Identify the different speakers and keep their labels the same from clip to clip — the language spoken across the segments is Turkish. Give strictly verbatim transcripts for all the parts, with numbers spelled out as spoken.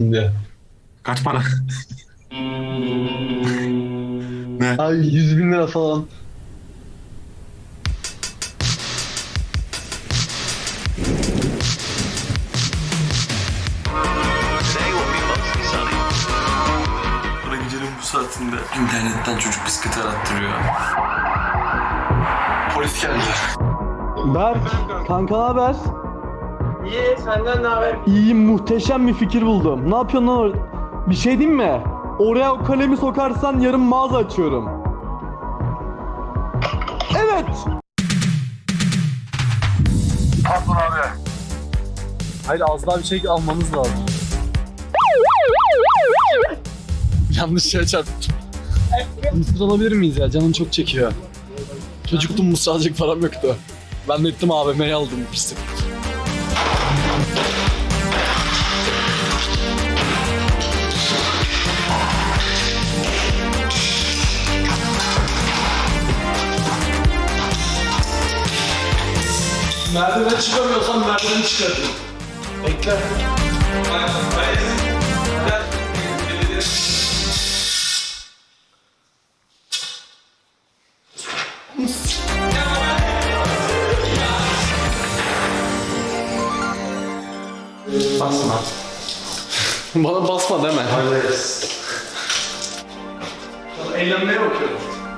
Speaker 1: aldım diye.
Speaker 2: Kaç para? Ne?
Speaker 1: Ay yüz bin lira falan.
Speaker 3: Bana gecenin bu saatinde internetten çocuk bisikleti arattırıyor. Polis geldi.
Speaker 4: Berk, kanka ne haber?
Speaker 5: İyi, senden ne haber?
Speaker 4: İyiyim, muhteşem bir fikir buldum. Ne yapıyorsun lan orada? Bir şey diyeyim mi? Oraya o kalemi sokarsan yarın mağaza açıyorum. Evet.
Speaker 3: Pardon abi.
Speaker 4: Hayır, az daha bir şey almamız lazım. Yanlış şeye çarptım. Mısır alabilir miyiz ya? Canım çok çekiyor. Çocuktum, mısır alacak param yoktu. Ben de gittim A V M'ye aldım pislik. Merdiven çıkamıyorsam merdiveni çıkartayım. Bekle.
Speaker 3: Basma.
Speaker 4: Bana basma deme.
Speaker 3: Hayır.
Speaker 4: Eğlenmeye bakıyorum.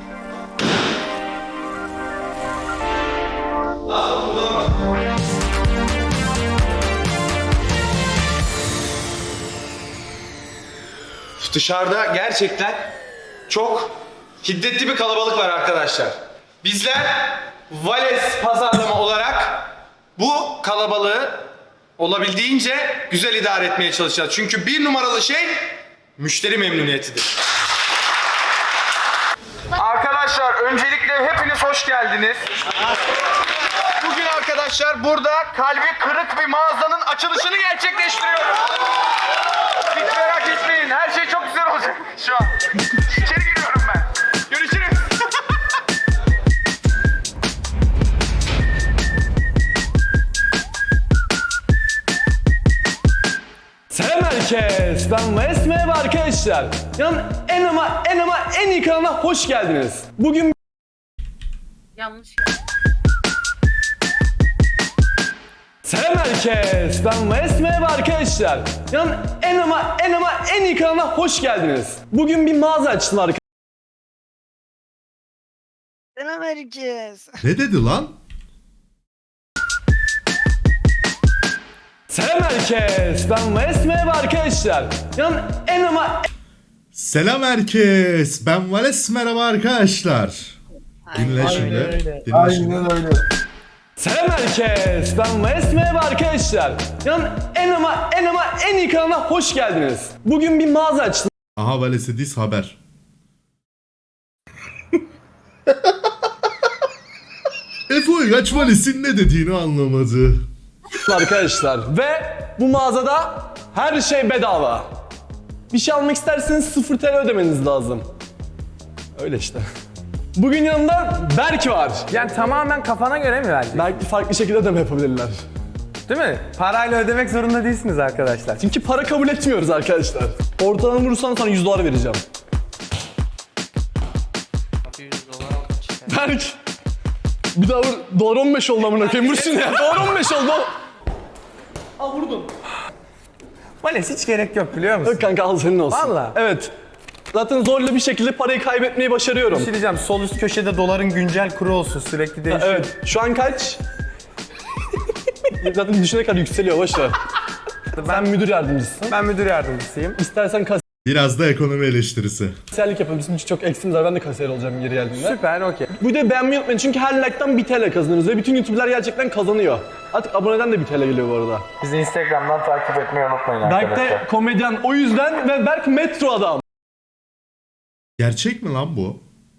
Speaker 6: Dışarıda gerçekten çok hiddetli bir kalabalık var arkadaşlar. Bizler Vales pazarlama olarak bu kalabalığı olabildiğince güzel idare etmeye çalışacağız. Çünkü bir numaralı şey müşteri memnuniyetidir. Arkadaşlar öncelikle hepiniz hoş geldiniz. Bugün arkadaşlar burada kalbi kırık bir mağazanın açılışını gerçekleştiriyoruz. Hiç merak etmeyin, her şey çok güzel olacak şu an. İçeri giriyorum ben. Görüşürüz.
Speaker 4: Selam herkes, ben Vales, merhaba arkadaşlar. Yani en ama en ama en iyi kanalına hoş geldiniz. Bugün
Speaker 7: Yanlış.
Speaker 4: Selam herkes, ben Vales, merhaba arkadaşlar. Yani en ama en ama en iyi kanalına hoş geldiniz. Bugün bir mağaza açtım arkadaşlar.
Speaker 7: Selam herkes.
Speaker 8: Ne dedi lan?
Speaker 4: Selam herkes, ben Vales, merhaba arkadaşlar. Yani en ama
Speaker 8: Selam herkes. Ben Vales, merhaba arkadaşlar. Dinle şimdi. Dinle şimdi.
Speaker 1: öyle.
Speaker 4: Selam herkes, ben Vales, merhaba arkadaşlar. Yani en ama en ama en iyi kanalına hoş geldiniz. Bugün bir mağaza açtım
Speaker 8: Aha Vales'e diz haber. Efe Uygaç Vales'in ne dediğini anlamadı.
Speaker 4: arkadaşlar ve bu mağazada her şey bedava. Bir şey almak isterseniz sıfır T L ödemeniz lazım. Öyle işte. Bugün yanımda Berk var.
Speaker 5: Yani tamamen kafana göre mi verdin?
Speaker 4: Belki farklı şekilde ödeme yapabilirler.
Speaker 5: Değil mi? Parayla ödemek zorunda değilsiniz arkadaşlar.
Speaker 4: Çünkü para kabul etmiyoruz arkadaşlar. Ortalama vurursan sana yüz dolar vereceğim. Berk. Bir daha vur. Dolar on beş oldu amına koyayım. Vursun ya. Dolar on beş oldu. Al vurdum.
Speaker 5: Vales hiç gerek yok biliyor musun?
Speaker 4: Yok kanka al senin olsun.
Speaker 5: Valla.
Speaker 4: Evet. Zaten zorla bir şekilde parayı kaybetmeyi başarıyorum.
Speaker 5: Bir şey diyeceğim, sol üst köşede doların güncel kuru olsun, sürekli değişiyor.
Speaker 4: Evet. Şu an kaç? Zaten düşünene kadar yükseliyor. Boş ver. Sen müdür yardımcısın.
Speaker 5: Ben müdür yardımcısıyım.
Speaker 4: İstersen
Speaker 8: Biraz da ekonomi eleştirisi.
Speaker 4: kasiyerlik yapabilirsin çünkü çok eksimiz var. Ben de kasiyer olacağım geri geldiğinde.
Speaker 5: Süper, okey.
Speaker 4: Bu videoyu beğenmeyi unutmayın çünkü her like'tan bir T L kazanırız ve bütün YouTuber'lar gerçekten kazanıyor. Artık aboneden de bir T L geliyor bu arada.
Speaker 5: Bizi Instagram'dan takip etmeyi unutmayın
Speaker 4: Berk
Speaker 5: arkadaşlar.
Speaker 4: de komedyen o yüzden ve Berk metro adam.
Speaker 8: Gerçek mi lan bu?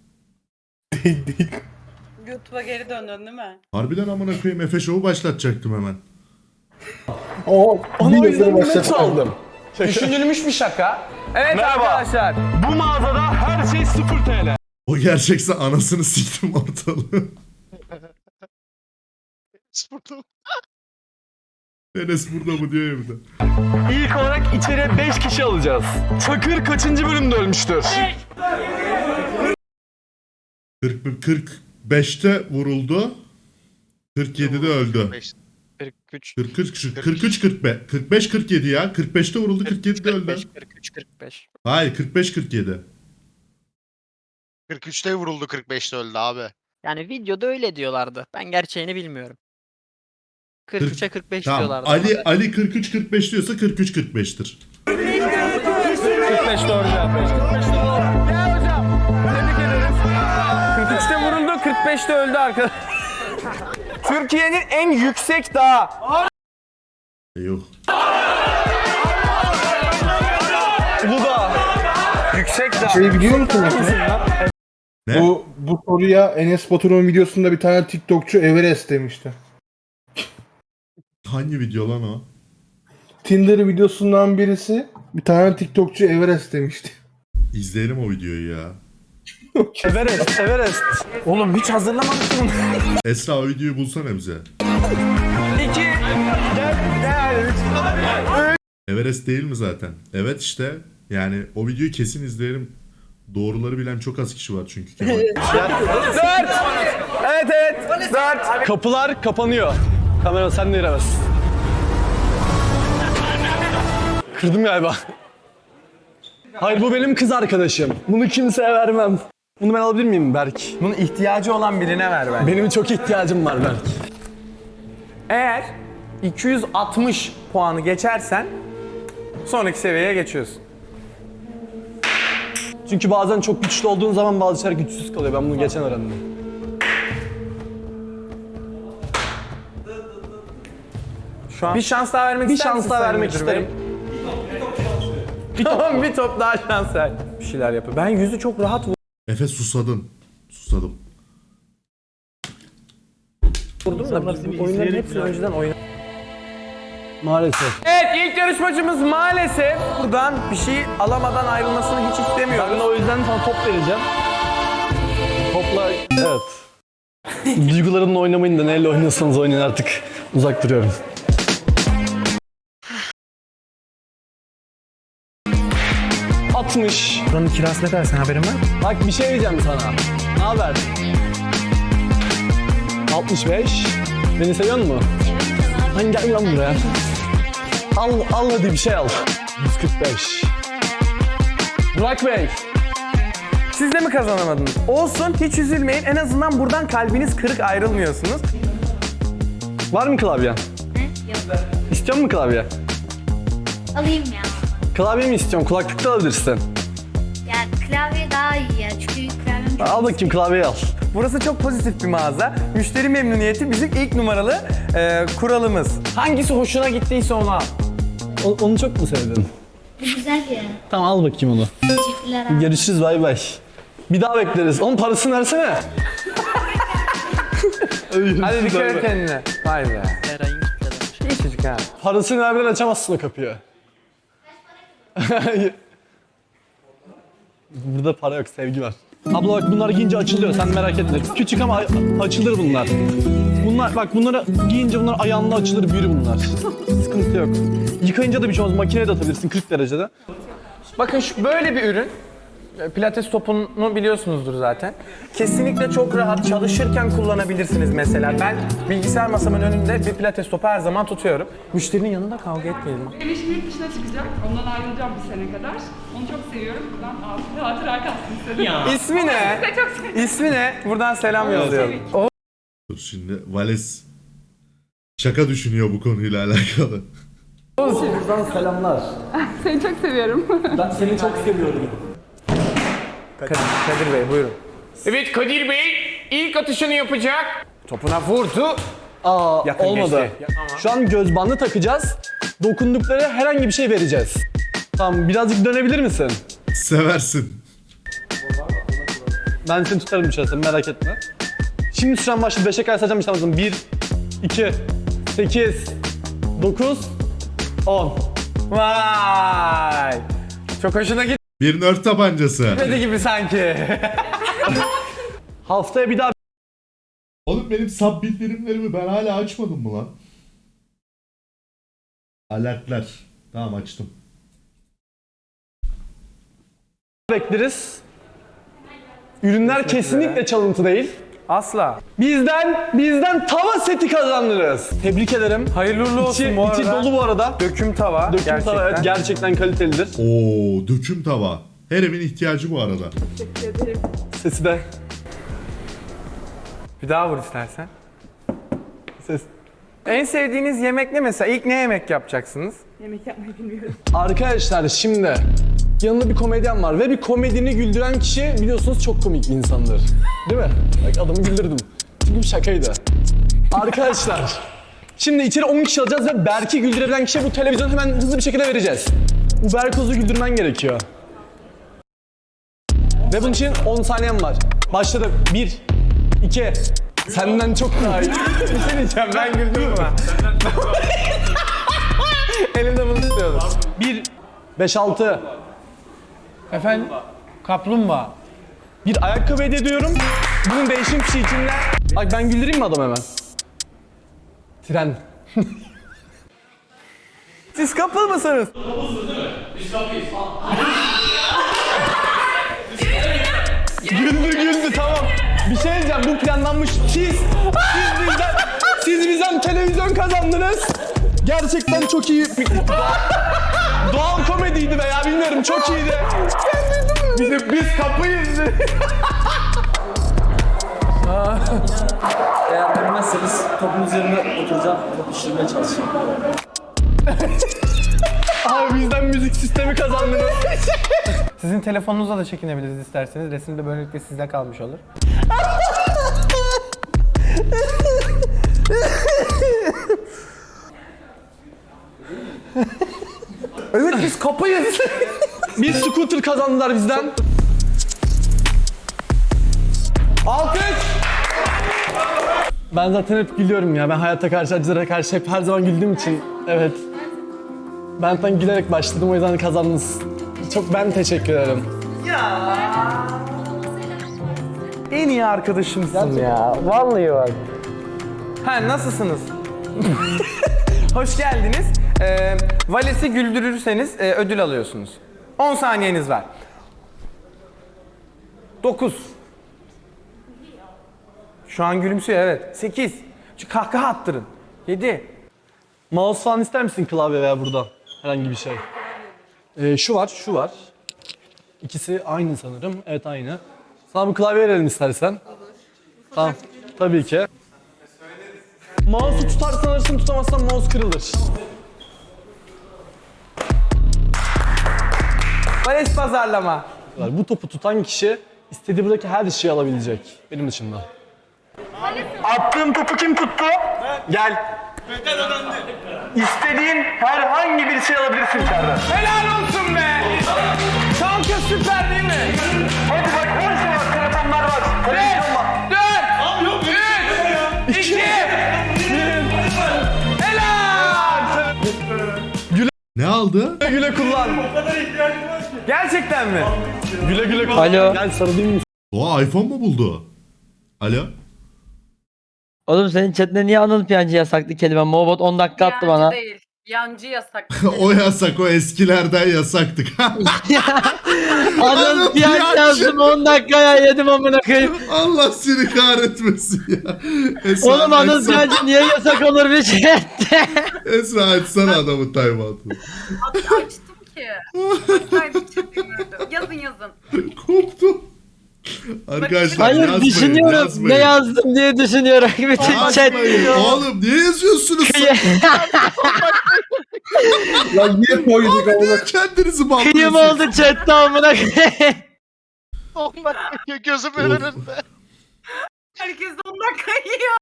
Speaker 7: YouTube'a geri döndün değil mi?
Speaker 8: Harbiden amına koyayım, Efe Show'u başlatacaktım hemen.
Speaker 4: Ona o yüzden bir metro aldım.
Speaker 5: Düşünülmüş bir şaka. Evet
Speaker 4: Merhaba.
Speaker 5: arkadaşlar.
Speaker 4: Bu mağazada her şey sıfır T L.
Speaker 8: O gerçekse anasını siktim ortalığı. Enes burada mı diyor ya bir de.
Speaker 4: İlk olarak içeriye beş kişi alacağız. Çakır kaçıncı bölümde ölmüştür?
Speaker 8: kırk, kırk beşte vuruldu. kırk yedide öldü.
Speaker 1: kırk üç.
Speaker 8: kırk üç, kırk üç, kırk beş, kırk beş, kırk yedi ya. kırk beşte vuruldu, kırk yedide öldü.
Speaker 1: kırk üç kırk beş.
Speaker 8: Hayır, kırk beş, kırk yedi.
Speaker 9: kırk üçte vuruldu, kırk beşte öldü abi.
Speaker 1: Yani videoda öyle diyorlardı. Ben gerçeğini bilmiyorum. kırk üçe kırk beş
Speaker 8: Tamam.
Speaker 1: diyorlardı.
Speaker 8: Ali Ali kırk üç, kırk beş diyorsa kırk üç, kırk beştir.
Speaker 4: kırk beş doğru cevap. kırk beş doğru. Gel hocam. Tebrik ederiz.
Speaker 5: kırk üçte vuruldu, kırk beşte öldü arkadaşlar. Türkiye'nin en yüksek dağı.
Speaker 8: Yok.
Speaker 4: Uludağ.
Speaker 5: Yüksek dağ.
Speaker 10: Şey biliyor musunuz?
Speaker 8: Ne?
Speaker 10: Bu, bu soruya Enes Batur'un videosunda bir tane TikTokçu Everest demişti.
Speaker 8: Hangi video lan o?
Speaker 10: Tinder videosundan birisi bir tane TikTokçu Everest demişti.
Speaker 8: İzleyelim o videoyu ya.
Speaker 4: Everest, Everest.
Speaker 5: Oğlum hiç hazırlamadık bunu.
Speaker 8: Esra o videoyu bulsana bize.
Speaker 5: İki. Gel, gel.
Speaker 8: Everest değil mi zaten? Evet işte. Yani o videoyu kesin izleyelim. Doğruları bilen çok az kişi var çünkü Kemal.
Speaker 4: Dört. Evet evet. Dört. Kapılar kapanıyor. Kamera sen de giremezsin. Kırdım galiba. Hayır bu benim kız arkadaşım. Bunu kimseye vermem. Bunu ben alabilir miyim Berk?
Speaker 5: Bunun ihtiyacı olan birine ver ben.
Speaker 4: Benim çok ihtiyacım var Berk.
Speaker 5: Eğer iki yüz altmış puanı geçersen sonraki seviyeye geçiyorsun.
Speaker 4: Çünkü bazen çok güçlü olduğun zaman bazı şeyler güçsüz kalıyor. Ben bunu geçen öğrendim.
Speaker 5: Şu an bir şans daha vermek
Speaker 4: Bir
Speaker 5: ister
Speaker 4: şans
Speaker 5: misin
Speaker 4: daha
Speaker 5: Sayın
Speaker 4: vermek
Speaker 5: Müdür Bey?
Speaker 4: isterim.
Speaker 5: Tamam bir top daha şans ver. Bir şeyler yapıyor. Ben yüzü çok rahat
Speaker 8: Efe susadın. Susadım.
Speaker 5: vurdum da biz bu oyunların hepsini önceden oynadık.
Speaker 4: Maalesef.
Speaker 5: Evet ilk yarışmacımız maalesef buradan bir şey alamadan ayrılmasını hiç istemiyoruz.
Speaker 4: Ben de o yüzden sana top vereceğim. Topla... Evet. Duygularımla oynamayın da neyle oynuyorsanız oynayın artık. Uzak duruyorum. altmış.
Speaker 5: Buranın kirası ne kadar sen haberin var?
Speaker 4: Bak bir şey diyeceğim sana. Ne haber? altmış beş. Beni seviyor musun? Hani gel lan buraya. Al, al hadi bir şey al. yüz kırk beş. Burak Bey.
Speaker 5: Siz de mi kazanamadınız? Olsun hiç üzülmeyin. En azından buradan kalbiniz kırık ayrılmıyorsunuz.
Speaker 4: Var mı klavyen?
Speaker 11: Yok.
Speaker 4: İstiyor musun klavye?
Speaker 11: Alayım ya.
Speaker 4: Klavye mi istiyorsun? Kulaklık da alabilirsin.
Speaker 11: Ya klavye daha iyi ya. Çünkü klavyem çok
Speaker 4: Al bakayım klavyeyi al.
Speaker 5: Burası çok pozitif bir mağaza. Müşteri memnuniyeti bizim ilk numaralı e, kuralımız. Hangisi hoşuna gittiyse onu al.
Speaker 4: O- onu çok mu sevdin?
Speaker 11: Bu güzel ya.
Speaker 4: Tamam al bakayım onu.
Speaker 11: Teşekkürler abi.
Speaker 4: Görüşürüz bay bay. Bir daha bekleriz. Onun parasını versene.
Speaker 5: Hadi dikkat et kendine. Vay be.
Speaker 1: Eray'ın kitledemiş.
Speaker 5: İyi çocuk ha.
Speaker 4: Parasını vermeden açamazsın o kapıyı. Burada para yok, sevgi var. Abla bak bunlar giyince açılıyor, sen merak etme. Küçük ama a- açılır bunlar. Bunlar bak bunları giyince bunlar ayağınla açılır, büyür bunlar. Sıkıntı yok. Yıkayınca da bir şey olmaz, makineye de atabilirsin kırk derecede.
Speaker 5: Bakın şu böyle bir ürün. E, Pilates topunu biliyorsunuzdur zaten. Kesinlikle çok rahat çalışırken kullanabilirsiniz mesela. Ben bilgisayar masamın önünde bir pilates topu her zaman tutuyorum. Müşterinin yanında kavga etmeyelim.
Speaker 12: Benim eşim yurt dışına çıkacak. Ondan ayrılacağım bir sene kadar. Onu çok seviyorum. Buradan ağzı hatıra kalsın istedim. Ya.
Speaker 5: İsmi ne?
Speaker 12: çok seviyorum.
Speaker 5: İsmi ne? Buradan selam yolluyorum. O
Speaker 8: Dur şimdi Vales şaka düşünüyor bu konuyla alakalı.
Speaker 4: Buradan selamlar.
Speaker 12: Seni çok seviyorum.
Speaker 4: Ben seni çok seviyorum.
Speaker 5: Kadir, Kadir Bey buyurun. Evet Kadir Bey ilk atışını yapacak. Topuna vurdu.
Speaker 4: Aa
Speaker 5: Yakın
Speaker 4: olmadı.
Speaker 5: geçti. Ama-
Speaker 4: Şu an göz bandı takacağız. Dokundukları herhangi bir şey vereceğiz. Tamam birazcık dönebilir misin?
Speaker 8: Seversin.
Speaker 4: Ben seni tutarım içeride merak etme. Şimdi süren başladı. beşe kadar sayacağım işte lazım. bir, iki, sekiz, dokuz, on.
Speaker 5: Vay. Çok hoşuna
Speaker 8: Bir nerd tabancası.
Speaker 5: gitmedi gibi sanki.
Speaker 4: Haftaya bir daha
Speaker 8: Oğlum benim sub bildirimlerimi ben hala açmadım mı lan? Alertler. Tamam açtım.
Speaker 4: bekleriz. Ürünler kesinlikle çalıntı değil.
Speaker 5: Asla.
Speaker 4: Bizden, bizden tava seti kazandınız. Tebrik ederim.
Speaker 5: Hayırlı uğurlu olsun
Speaker 4: İçi,
Speaker 5: bu arada.
Speaker 4: içi dolu bu arada.
Speaker 5: Döküm tava.
Speaker 4: Döküm
Speaker 5: gerçekten.
Speaker 4: tava evet gerçekten kalitelidir.
Speaker 8: Oo, döküm tava. Her evin ihtiyacı bu arada.
Speaker 4: Sesi de.
Speaker 5: Bir daha vur istersen.
Speaker 4: Ses.
Speaker 5: En sevdiğiniz yemek ne mesela? İlk ne yemek yapacaksınız?
Speaker 12: Yemek yapmayı bilmiyorum.
Speaker 4: Arkadaşlar şimdi yanında bir komedyen var ve bir komedini güldüren kişi biliyorsunuz çok komik bir insandır. Değil mi? Bak adamı güldürdüm. Çünkü bir şakaydı. Arkadaşlar şimdi içeri on kişi alacağız ve Berk'i güldürebilen kişiye bu televizyonu hemen hızlı bir şekilde vereceğiz. Bu Berkoz'u güldürmen gerekiyor. Ve bunun için on saniyen var. Başladı. bir, iki, senden çok daha iyi.
Speaker 5: Bir şey diyeceğim, ben güldüm mü? Elimde bunu tutuyordum.
Speaker 4: bir, beş, altı.
Speaker 5: Efendim? Kaplumbağa.
Speaker 4: Bir ayakkabı hediye ediyorum. Bunun değişim kişi içinde. Bak ben güldüreyim mi adam hemen? Tren.
Speaker 5: Siz couple mısınız?
Speaker 4: Güldü güldü tamam. Bir şey diyeceğim bu planlanmış. Siz, siz bizden, siz bizden televizyon kazandınız. Gerçekten çok iyi. Doğal komediydi veya bilmiyorum çok iyiydi.
Speaker 5: Biz, de, biz kapıyız.
Speaker 13: Eğer bilmezseniz topun üzerine oturacağım, top işlemeye çalışacağım.
Speaker 4: Abi bizden müzik sistemi kazandınız.
Speaker 5: Sizin telefonunuzla da çekinebiliriz isterseniz. Resim de böylelikle sizde kalmış olur. Evet biz kapıyız.
Speaker 4: Bir scooter kazandılar bizden. Alkış. Ben zaten hep gülüyorum ya. Ben hayata karşı, acılara karşı hep her zaman güldüğüm için. Evet. Ben zaten gülerek başladım o yüzden kazandınız. Çok ben teşekkür ederim.
Speaker 5: En iyi arkadaşımsın ya. Vallahi bak. Ha nasılsınız? Hoş geldiniz. Ee, Vales'i güldürürseniz e, ödül alıyorsunuz. on saniyeniz var. dokuz. Şu an gülümsüyor evet. sekiz. Şu kahkaha attırın. yedi.
Speaker 4: Mouse falan ister misin klavye veya burada? Herhangi bir şey. Ee, şu var, şu var. İkisi aynı sanırım. Evet aynı. Sana bu klavye verelim istersen. Olur. Tamam. Tabii ki. Mouse'u tutarsan alırsın, tutamazsan mouse kırılır.
Speaker 5: Vales pazarlama.
Speaker 4: Bu topu tutan kişi istediği buradaki her şeyi alabilecek. Benim dışında. Attığım topu kim tuttu? Gel. İstediğin herhangi bir şey alabilirsin içeriden.
Speaker 5: Helal olsun be! Kanka süper değil mi?
Speaker 4: Hadi bak her şey var. Telefonlar var. Televizyon var.
Speaker 5: dört, üç, iki, helal!
Speaker 8: Ne aldı?
Speaker 4: Güle güle kullan.
Speaker 5: Gerçekten mi?
Speaker 4: Güle güle kullan.
Speaker 1: Alo.
Speaker 4: Gel sarılayım mı?
Speaker 8: Oha iPhone mu buldu? Alo?
Speaker 1: Oğlum senin chatinde niye Anıl Piyancı yasaklı kelime? Mobot on dakika attı
Speaker 7: Yancı
Speaker 1: bana.
Speaker 7: değil. Yancı yasak.
Speaker 8: O yasak, o eskilerden yasaktık.
Speaker 1: Anıl Piyancı yazdım on dakikaya yedim amına koyayım.
Speaker 8: Allah seni kahretmesin ya. Esra,
Speaker 1: Oğlum Anıl
Speaker 8: Esra-
Speaker 1: Piyancı niye yasak olur bir chatte?
Speaker 8: Esra açsana adamın timeout'unu.
Speaker 7: Açtım ki. Açsaydım çıkmıyordu. Yazın yazın.
Speaker 8: Koptum. Arkadaşlar
Speaker 1: Hayır
Speaker 8: yazmayın,
Speaker 1: düşünüyorum.
Speaker 8: yazmayın.
Speaker 1: Ne yazdım diye düşünüyorum. Bütün chat.
Speaker 8: Yazmayın. Oğlum niye yazıyorsunuz?
Speaker 10: Ya niye koyduk ama?
Speaker 8: Kendinizi
Speaker 1: Kıyım
Speaker 8: bağlıyorsunuz.
Speaker 1: oldu chatte amına koyayım.
Speaker 9: Gözümün önünde.
Speaker 7: Herkes on dakika yiyor.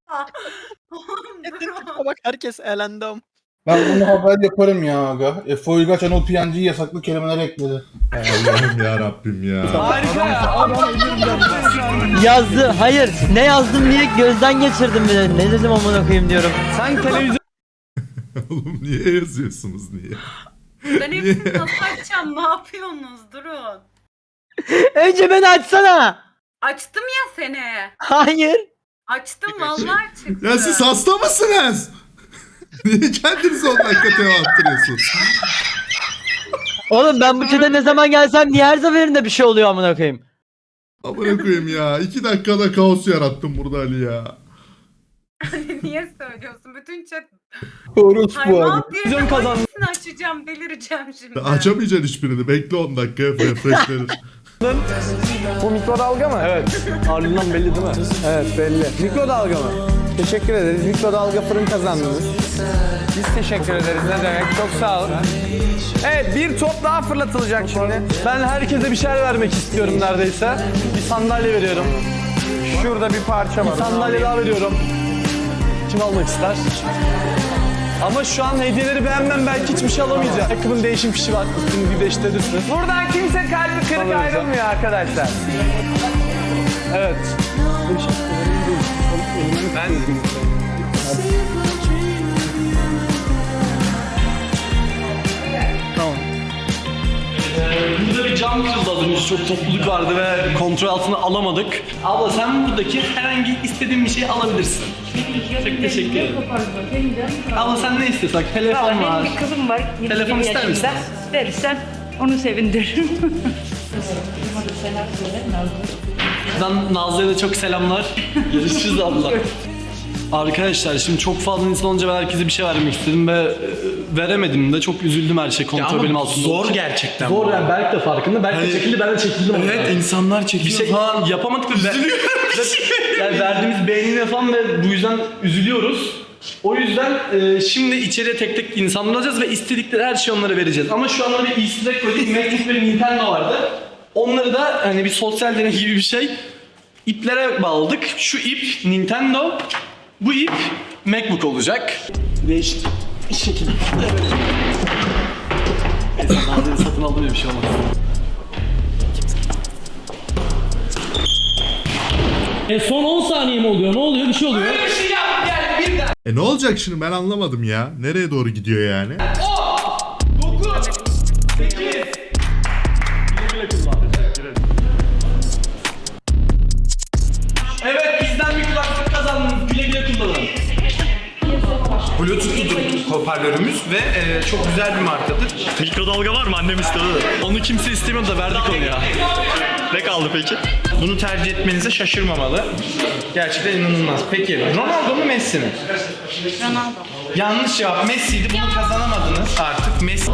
Speaker 1: Bak herkes elendi am.
Speaker 10: Ben bunu haber yaparım ya aga. Efe Uygaç Anıl Piyancı'yı yasaklı kelimeler ekledi.
Speaker 8: Allah'ım ya Rabbim ya.
Speaker 4: Harika ya.
Speaker 1: Yazdı. Hayır. Ne yazdım diye gözden geçirdim bile. Ne dedim amına koyayım diyorum.
Speaker 4: Sen televizyon
Speaker 8: Oğlum niye yazıyorsunuz niye?
Speaker 7: Ben hepsini nasıl açacağım? Ne yapıyorsunuz? Durun.
Speaker 1: Önce beni açsana.
Speaker 7: Açtım ya seni.
Speaker 1: Hayır.
Speaker 7: Açtım vallahi çıktı.
Speaker 8: Ya siz hasta mısınız? Niye kendinizi on dakika tema attırıyorsunuz?
Speaker 1: Oğlum ben bu çete ne zaman gelsem niye her seferinde bir şey oluyor amına koyayım?
Speaker 8: Amına koyayım ya. iki dakikada kaos yarattım burada Ali ya.
Speaker 7: Niye söylüyorsun? Bütün chat
Speaker 10: Orospu abi.
Speaker 7: hayvan diye
Speaker 4: Vizyon kazandı.
Speaker 7: hangisini açacağım delireceğim şimdi.
Speaker 8: Açamayacaksın hiçbirini. Bekle on dakika. Refreshlenir.
Speaker 5: Bu mikrodalga mı?
Speaker 4: Evet. Ağırlığından belli değil mi?
Speaker 5: Evet belli. Mikrodalga mı? Teşekkür ederiz. Mikrodalga fırın kazandınız. Biz teşekkür ederiz. Ne demek? Çok sağ olun. Evet bir top daha fırlatılacak şimdi.
Speaker 4: Ben herkese bir şeyler vermek istiyorum neredeyse. Bir sandalye veriyorum.
Speaker 5: Şurada bir parça var.
Speaker 4: Bir sandalye daha veriyorum. Kim almak ister? Ama şu an hediyeleri beğenmem, belki hiçbir şey alamayacağım. Ayakkabının değişim fişi var. Üstünü bir değiştirirsiniz.
Speaker 5: Buradan kimse kalbi kırık
Speaker 4: Tamam,
Speaker 5: ayrılmıyor arkadaşlar.
Speaker 4: Evet.
Speaker 5: Ben
Speaker 4: Tamam. Burada bir cam kırıldı az önce. Çok topluluk vardı ve kontrol altına alamadık. Abla sen buradaki herhangi istediğin bir şeyi alabilirsin. Çok teşekkür ederim. Abla sen ne istiyorsan, telefon var.
Speaker 12: Benim bir kızım var.
Speaker 4: Telefon ister misin?
Speaker 12: Verirsen onu sevindiririm.
Speaker 4: Buradan Nazlı'ya da çok selamlar. Görüşürüz abla. Arkadaşlar şimdi çok fazla insan olunca ben herkese bir şey vermek istedim ve e, veremedim de çok üzüldüm her şey kontrol benim altımda.
Speaker 6: zor
Speaker 4: olduğu için.
Speaker 6: gerçekten.
Speaker 4: Zor yani Berk de farkında. Berk de
Speaker 6: Hani-
Speaker 4: çekildi, ben de çekildim.
Speaker 6: Evet
Speaker 4: orada.
Speaker 6: insanlar
Speaker 4: Bir
Speaker 6: çekiyor
Speaker 4: şey
Speaker 6: falan.
Speaker 4: yapamadık ve, ve yani verdiğimiz beğenine falan ve bu yüzden üzülüyoruz. O yüzden e, şimdi içeriye tek tek insanlar alacağız ve istedikleri her şeyi onlara vereceğiz. Ama şu anda bir easter egg koyduk. MacBook ve Nintendo vardı. Onları da hani bir sosyal deney gibi bir şey iplere bağladık. Şu ip Nintendo, bu ip MacBook olacak. Değişik bir şekilde. Neyse Nazlı'yı satın aldım diye bir şey olmaz.
Speaker 13: E son on saniye mi oluyor? Ne oluyor? Bir şey oluyor.
Speaker 6: Böyle bir şey yap gel birden.
Speaker 8: E ne olacak şimdi ben anlamadım ya. Nereye doğru gidiyor yani?
Speaker 6: dokuz, sekiz. Evet bizden bir kulaklık kazandınız. Güle güle kullanın. Bluetooth hoparlörümüz ve e, çok güzel bir markadır.
Speaker 4: Mikrodalga var mı? Annem istedi. Onu kimse istemiyordu da verdik onu ya. Ne kaldı peki?
Speaker 6: Bunu tercih etmenize şaşırmamalı. Gerçekten inanılmaz. Peki Ronaldo mu Messi mi?
Speaker 7: Ronaldo.
Speaker 6: Yanlış cevap Messi'ydi. Bunu kazanamadınız artık. Messi.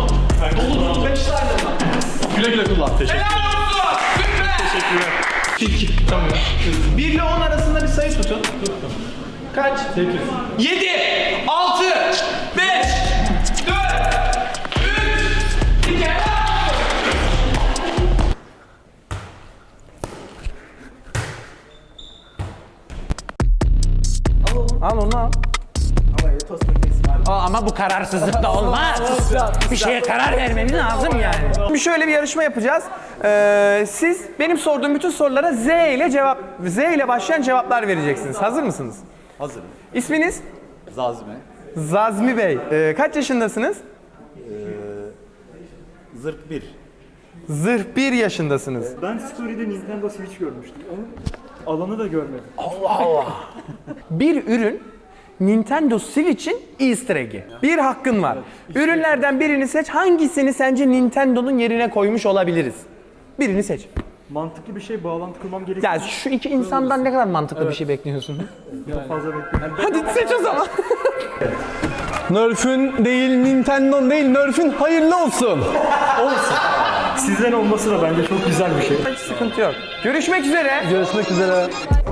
Speaker 4: Güle güle kullan. Teşekkür ederim.
Speaker 6: Helal olsun. Süper.
Speaker 4: Teşekkürler.
Speaker 6: İki. Tamam. bir ile on arasında bir sayı tutun. Kaç? sekiz. yedi, altı, beş, dört, üç, iki,
Speaker 5: al onu al. Aa, ama bu kararsızlık da olmaz. Bir şeye karar vermemiz lazım yani. Bir şöyle bir yarışma yapacağız. Ee, siz benim sorduğum bütün sorulara Z ile cevap Z ile başlayan cevaplar vereceksiniz. Hazır mısınız?
Speaker 13: Hazırım.
Speaker 5: İsminiz?
Speaker 13: Zazime.
Speaker 5: Zazmi Bey. Ee, kaç yaşındasınız?
Speaker 13: Zırh bir.
Speaker 5: Zırh bir yaşındasınız.
Speaker 13: Ben story'de Nintendo Switch görmüştüm. Onun alanı da görmedim.
Speaker 5: Bir ürün Nintendo Switch'in Easter egg'i. Bir hakkın var. Ürünlerden birini seç. Hangisini sence Nintendo'nun yerine koymuş olabiliriz? Birini seç.
Speaker 13: Mantıklı bir şey bağlantı kurmam gerekiyor.
Speaker 5: Ya şu iki insandan ne kadar mantıklı bir şey bekliyorsun?
Speaker 13: Çok fazla bekliyorum.
Speaker 5: Hadi seç o zaman.
Speaker 4: Nerf'ün değil, Nintendo'nun değil, Nerf'ün hayırlı olsun.
Speaker 13: Sizden olması da bence çok güzel bir şey.
Speaker 5: Hiç sıkıntı yok. Görüşmek üzere.
Speaker 4: Görüşmek üzere.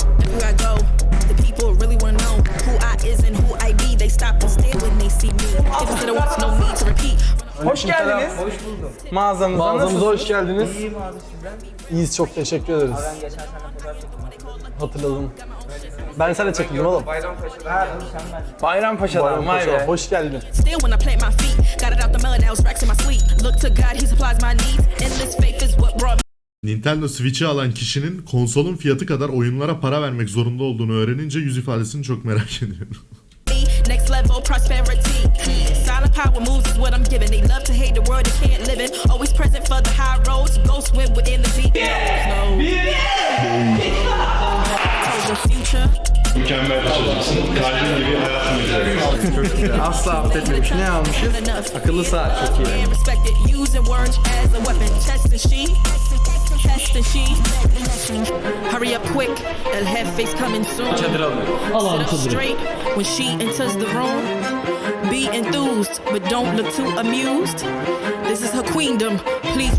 Speaker 5: Hoş geldiniz. Hoş bulduk. Mağazamıza
Speaker 4: Mağazamıza hoş geldiniz.
Speaker 13: İyiyim abi sizden.
Speaker 4: İyiyiz, çok teşekkür ederiz.
Speaker 13: Ben geçen sene fotoğraf çektim.
Speaker 4: Hatırladım. Ben sana çekildim oğlum.
Speaker 13: Ha, sen ben.
Speaker 5: Bayrampaşa'dan. Vay be.
Speaker 4: Hoş geldin.
Speaker 11: Still when I plant my feet, got it out the mud, now it's racks in my sleep. Look to God, he supplies my needs. Endless faith is what brought me.
Speaker 8: Nintendo Switch'i alan kişinin konsolun fiyatı kadar oyunlara para vermek zorunda olduğunu öğrenince yüz ifadesini çok merak ediyorum.
Speaker 11: Next level prosperity. Silent power moves is what I'm giving. They love to hate the world they can't live in. Always present for the high roads. Go swim within the sea. No. The future.
Speaker 3: Mükemmel bir çocuksun. Kalbin gibi hayatım gibi.
Speaker 5: Çok güzel. Asla affetmemiş. Ne almışız? Akıllı saat çok iyi.
Speaker 11: Respected, using words as a weapon. Chest and she, chest and she. Hurry up quick, el jefe's coming soon.
Speaker 5: Çadır alıyorum.
Speaker 11: Sit up straight when she enters the room. Be enthused, but don't look too amused. This is her queendom. Please.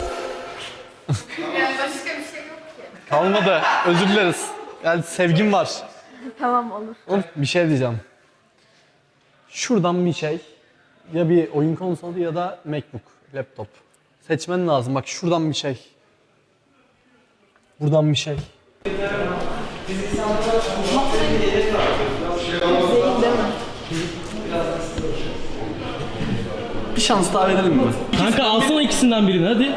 Speaker 4: Kalmadı. Özür dileriz. Yani sevgim var.
Speaker 7: Tamam olur.
Speaker 4: Oğlum bir şey diyeceğim. Şuradan bir şey. Ya bir oyun konsolu ya da MacBook, laptop. Seçmen lazım. Bak şuradan bir şey. Buradan bir şey. Bir şans daha verelim mi?
Speaker 13: Kanka alsana ikisinden birini hadi.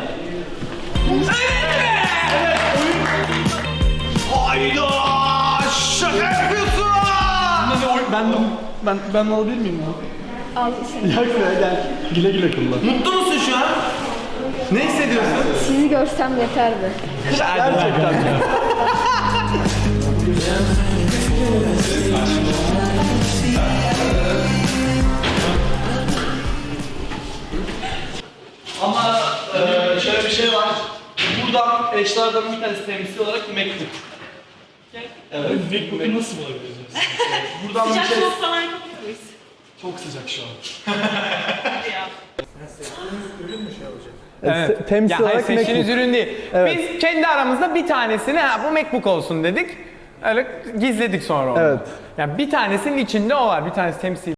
Speaker 6: Hayda! Şaka yapıyorsun!
Speaker 4: Ben ben ben alabilir miyim bunu?
Speaker 7: Al işte.
Speaker 4: Yak be gel. Güle güle kullan.
Speaker 6: Mutlu musun şu an? Ne hissediyorsun?
Speaker 7: Sizi görsem yeterdi.
Speaker 4: Gerçekten. Ama e, şöyle bir şey var. Buradan eşlerden bir tanesi temsil olarak MacBook. Evet.
Speaker 13: MacBook'u nasıl bulabiliriz?
Speaker 4: Buradan bir şey...
Speaker 7: falan yapabilir miyiz?
Speaker 4: Çok sıcak şu an.
Speaker 5: Evet.
Speaker 4: Temsil
Speaker 5: Ya hayır,
Speaker 4: olarak
Speaker 5: seçtiğiniz
Speaker 4: MacBook.
Speaker 5: ürün değil.
Speaker 4: Evet.
Speaker 5: Biz kendi aramızda bir tanesini ha bu MacBook olsun dedik. Öyle gizledik sonra onu.
Speaker 4: Evet.
Speaker 5: Yani bir tanesinin içinde o var. Bir tanesi temsil.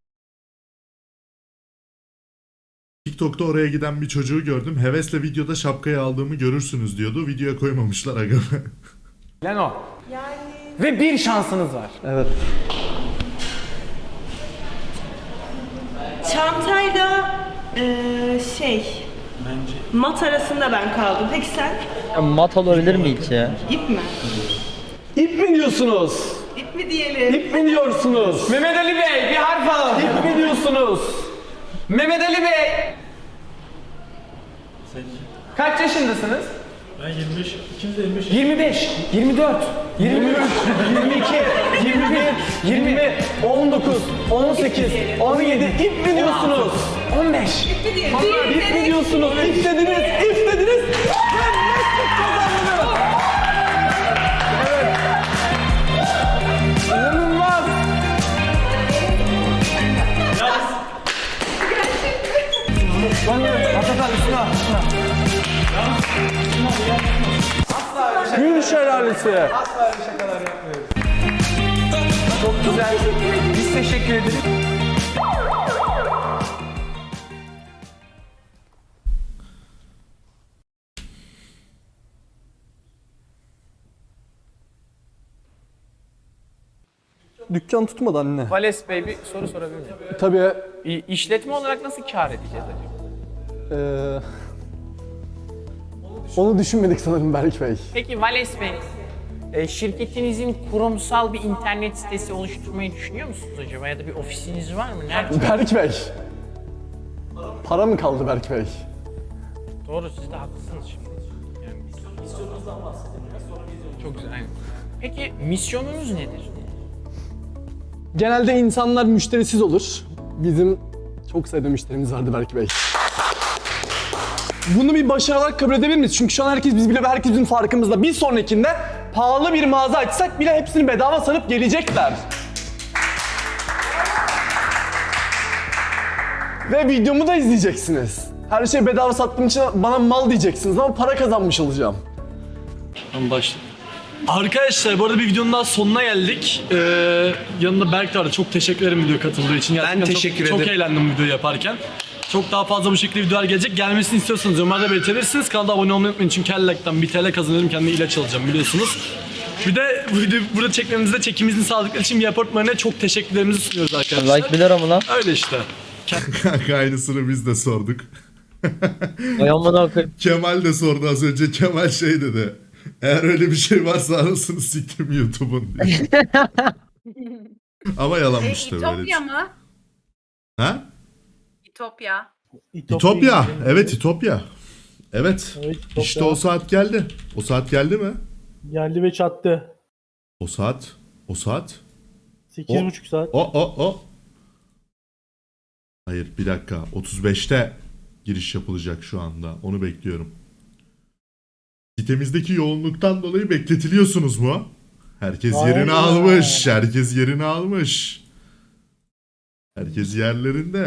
Speaker 8: TikTok'ta oraya giden bir çocuğu gördüm. Hevesle videoda şapkayı aldığımı görürsünüz diyordu. Videoya koymamışlar aga.
Speaker 5: Lan o. Ve bir şansınız var.
Speaker 4: Evet.
Speaker 7: Çantayla eee şey mat arasında ben kaldım. Peki sen?
Speaker 1: Mat olabilir mi hiç ya?
Speaker 7: İp mi?
Speaker 4: İp mi diyorsunuz?
Speaker 7: İp mi diyelim?
Speaker 4: İp mi diyorsunuz?
Speaker 5: Mehmet Ali Bey bir harf alalım.
Speaker 4: İp mi diyorsunuz?
Speaker 5: Mehmet Ali Bey. Kaç yaşındasınız?
Speaker 13: Ben yirmi beş, ikimiz de yirmi beş.
Speaker 5: yirmi beş, yirmi dört, yirmi üç, yirmi iki, yirmi bir, yirmi, on dokuz, on sekiz, on yedi, ip mi diyorsunuz? on beş.
Speaker 7: İp mi diyelim?
Speaker 4: İp mi diyorsunuz? İp dediniz, ip dediniz. Ben meslek kazandım. Evet.
Speaker 5: İnanılmaz.
Speaker 4: Gül şelalesi.
Speaker 5: Asla öyle şakalar yapmıyoruz. Çok güzel. Biz teşekkür ederiz.
Speaker 4: Dükkan tutmadı anne.
Speaker 5: Vales Bey bir soru sorabilir miyim?
Speaker 4: Tabii.
Speaker 5: İ- İşletme olarak nasıl kâr edeceğiz acaba?
Speaker 4: Ee, onu düşünmedik sanırım Berk Bey.
Speaker 5: Peki Vales Bey, e, şirketinizin kurumsal bir internet sitesi oluşturmayı düşünüyor musunuz acaba? Ya da bir ofisiniz var mı? Nerede?
Speaker 4: Berk Bey. Para mı kaldı Berk Bey?
Speaker 5: Doğru, siz de haklısınız şimdi. Yani misyonunuzdan bahsedelim. Çok güzel, aynen. Peki misyonunuz nedir?
Speaker 4: Genelde insanlar müşterisiz olur. Bizim çok sayıda müşterimiz vardı Berk Bey. Bunu bir başarı olarak kabul edebilir miyiz? Çünkü şu an herkes biz bile ve herkes bizim farkımızda. Bir sonrakinde pahalı bir mağaza açsak bile hepsini bedava sanıp gelecekler. Ve videomu da izleyeceksiniz. Her şeyi bedava sattığım için bana mal diyeceksiniz ama para kazanmış olacağım. Tamam başla. Arkadaşlar bu arada bir videonun daha sonuna geldik. Ee, yanında Berk de vardı. Çok teşekkür ederim video katıldığı için. Gerçekten
Speaker 6: Ben teşekkür
Speaker 4: çok,
Speaker 6: ederim.
Speaker 4: Çok eğlendim videoyu yaparken. Çok daha fazla bu şekilde videolar gelecek. Gelmesini istiyorsanız yorumlarda belirtebilirsiniz. Kanala abone olmayı unutmayın çünkü her like'tan bir T L kazanırım. Kendime ilaç alacağım biliyorsunuz. Bir de bu videoyu burada çekmemizde çekimimizin sağladıkları için bir apartmanına çok teşekkürlerimizi sunuyoruz arkadaşlar.
Speaker 1: Like bir lira mı lan?
Speaker 4: Öyle işte.
Speaker 8: Kanka aynısını biz de sorduk.
Speaker 1: Ay amına koyayım.
Speaker 8: Kemal de sordu az önce. Kemal şey dedi. Eğer öyle bir şey varsa anasını siktim YouTube'un diye. Ama yalanmış tabii öyle.
Speaker 7: İtopya mı?
Speaker 8: Ha?
Speaker 7: İtopya.
Speaker 8: İtopya. Evet İtopya. Evet.
Speaker 13: Evet, İtopya.
Speaker 8: İşte o saat geldi. O saat geldi mi?
Speaker 13: Geldi ve çattı.
Speaker 8: O saat. O saat.
Speaker 13: sekiz
Speaker 8: O-
Speaker 13: buçuk saat.
Speaker 8: O o o. Hayır bir dakika. otuz beşte giriş yapılacak şu anda. Onu bekliyorum. Sitemizdeki yoğunluktan dolayı bekletiliyorsunuz mu? Herkes yerini
Speaker 10: Aynen.
Speaker 8: almış. Herkes yerini almış. Herkes yerlerinde.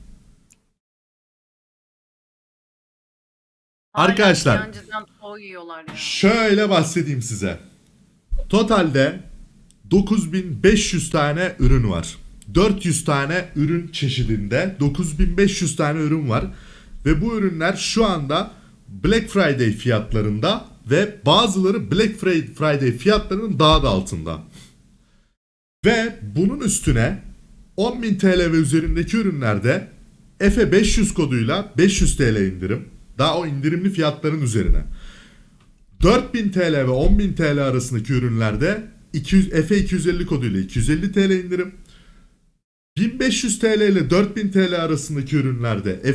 Speaker 8: Arkadaşlar şöyle bahsedeyim size. Totalde dokuz bin beş yüz tane ürün var. dört yüz tane ürün çeşidinde dokuz bin beş yüz tane ürün var. Ve bu ürünler şu anda Black Friday fiyatlarında ve bazıları Black Friday fiyatlarının daha da altında. Ve bunun üstüne on bin T L ve üzerindeki ürünlerde Efe beş yüz koduyla beş yüz T L indirim. Daha o indirimli fiyatların üzerine. dört bin T L ve on bin T L arasındaki ürünlerde iki yüz, Efe iki yüz elli koduyla iki yüz elli T L indirim. bin beş yüz T L ile dört bin T L arasındaki ürünlerde